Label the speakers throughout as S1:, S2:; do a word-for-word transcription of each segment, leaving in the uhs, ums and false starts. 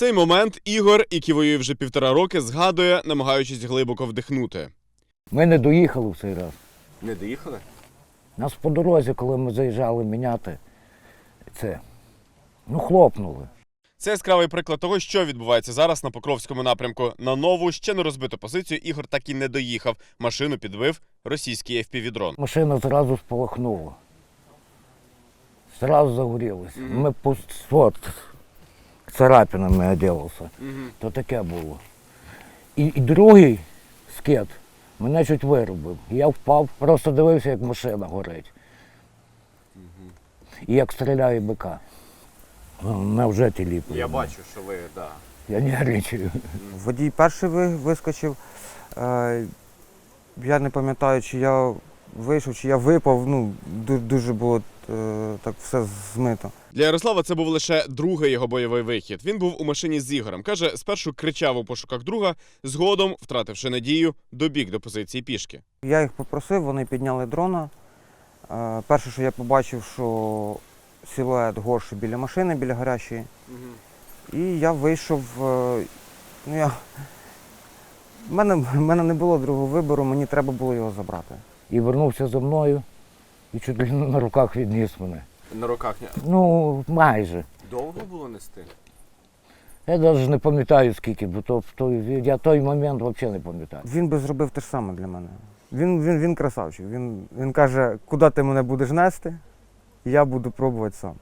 S1: Цей момент Ігор, який воює вже півтора роки, згадує, намагаючись глибоко вдихнути.
S2: Ми не доїхали в цей раз.
S1: Не доїхали?
S2: Нас по дорозі, коли ми заїжджали міняти, це, ну, хлопнули.
S1: Це яскравий приклад того, що відбувається зараз на Покровському напрямку. На нову, ще не розбиту позицію Ігор так і не доїхав. Машину підбив російський еф пі ві-дрон.
S2: Машина зразу спалахнула. Зразу загорілася. Mm-hmm. Ми по от, царапинами одягався. Mm-hmm. То таке було. І, і другий скет мене чуть виробив. Я впав, просто дивився, як машина горить. Mm-hmm. І як стріляє бика. Мене вже тіліпили.
S1: Я бачу, що ви, так. Да.
S2: Я нервничаю.
S3: Водій перший вискочив. Я не пам'ятаю, чи я вийшов, чи я випав. Ну, дуже було так все змито.
S1: Для Ярослава це був лише другий його бойовий вихід. Він був у машині з Ігорем. Каже, спершу кричав у пошуках друга, згодом, втративши надію, добіг до позиції пішки.
S3: Я їх попросив, вони підняли дрона. Перше, що я побачив, що силует горший біля машини, біля гарячої. Угу. І я вийшов, ну я, в мене, в мене не було другого вибору, мені треба було його забрати.
S2: І вернувся за мною і чуть ли на руках відніс мене.
S1: На руках?
S2: Ну, майже.
S1: Довго було нести?
S2: Я навіть не пам'ятаю скільки, бо то, то, я той момент взагалі не пам'ятаю.
S3: Він би зробив те ж саме для мене. Він, він, він красавчик, він, він каже, куди ти мене будеш нести? Я буду пробувати сам.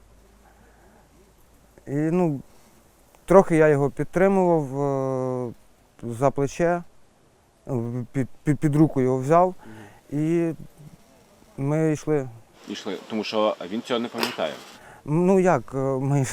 S3: І, ну, трохи я його підтримував е, за плече, під, під, під руку його взяв, і ми йшли.
S1: Йшли, тому що він цього не пам'ятає.
S3: Ну як, ми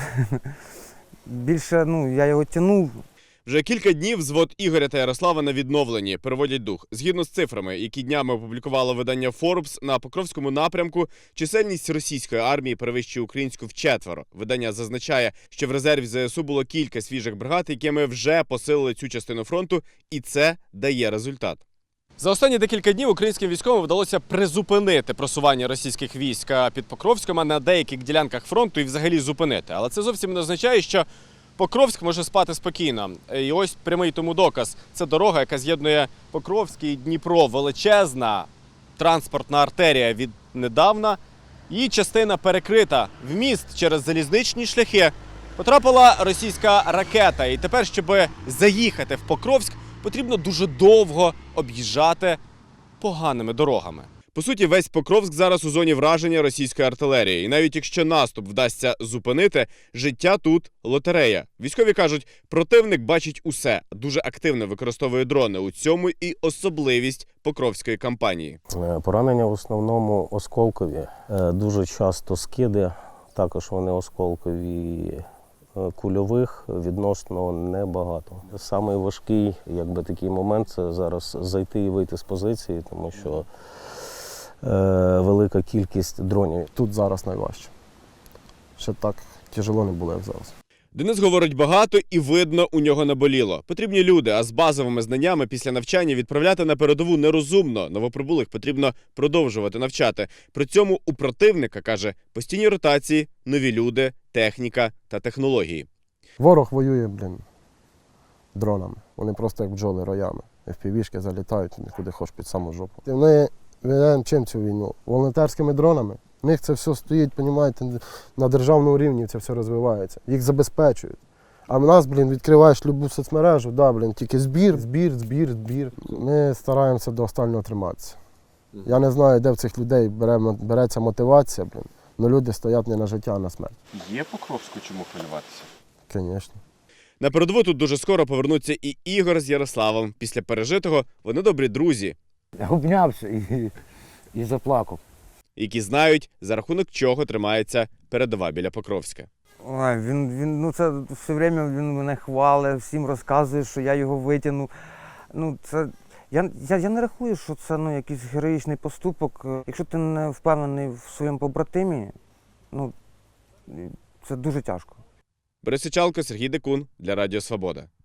S3: більше, ну, я його тягнув.
S1: Вже кілька днів взвод Ігоря та Ярослава на відновленні, переводять дух. Згідно з цифрами, які днями опублікувало видання Forbes, на Покровському напрямку чисельність російської армії перевищує українську вчетверо. Видання зазначає, що в резерві зе ес у було кілька свіжих бригад, якими вже посилили цю частину фронту, і це дає результат. За останні декілька днів українським військовим вдалося призупинити просування російських військ під Покровськом, а на деяких ділянках фронту і взагалі зупинити. Але це зовсім не означає, що Покровськ може спати спокійно. І ось прямий тому доказ. Це дорога, яка з'єднує Покровськ і Дніпро. Величезна транспортна артерія віднедавна. Її частина перекрита. В міст через залізничні шляхи потрапила російська ракета. І тепер, щоб заїхати в Покровськ, потрібно дуже довго об'їжджати поганими дорогами. По суті, весь Покровськ зараз у зоні враження російської артилерії. І навіть якщо наступ вдасться зупинити, життя тут – лотерея. Військові кажуть, противник бачить усе, дуже активно використовує дрони. У цьому і особливість Покровської кампанії.
S4: Поранення в основному осколкові. Дуже часто скиди, також вони осколкові. Кульових відносно небагато. Самий важкий, якби, такий момент – це зараз зайти і вийти з позиції, тому що е, велика кількість дронів. Тут зараз найважче. Ще так тяжело не було, як зараз.
S1: Денис говорить багато і видно, у нього наболіло. Потрібні люди, а з базовими знаннями після навчання відправляти на передову нерозумно. Новоприбулих потрібно продовжувати навчати. При цьому у противника, каже, постійні ротації, нові люди, техніка та технології.
S5: Ворог воює, блін, дронами. Вони просто як бджоли роями. еф пі ві-шки залітають куди хоч під саму жопу. Ми ведемо чим цю війну? Волонтерськими дронами. У них це все стоїть, розумієте, на державному рівні це все розвивається. Їх забезпечують. А в нас, блін, відкриваєш любу соцмережу, да, блін, тільки збір, збір, збір, збір. Ми стараємося до останнього триматися. Я не знаю, де в цих людей бере, береться мотивація, блін, але люди стоять не на життя, а на смерть.
S1: Є Покровську чому хвилюватися?
S5: Звісно.
S1: На передову тут дуже скоро повернуться і Ігор з Ярославом. Після пережитого вони добрі друзі.
S2: Я обнявся і, і заплакав.
S1: Які знають, за рахунок чого тримається передова біля Покровська.
S3: Ой, він, він, ну це все время він мене хвалить, всім розказує, що я його витягну. Ну, це, я, я, я не рахую, що це, ну, якийсь героїчний поступок. Якщо ти не впевнений в своєму побратимі, ну, це дуже тяжко.
S1: Борис Сичалко, Сергій Декун для Радіо Свобода.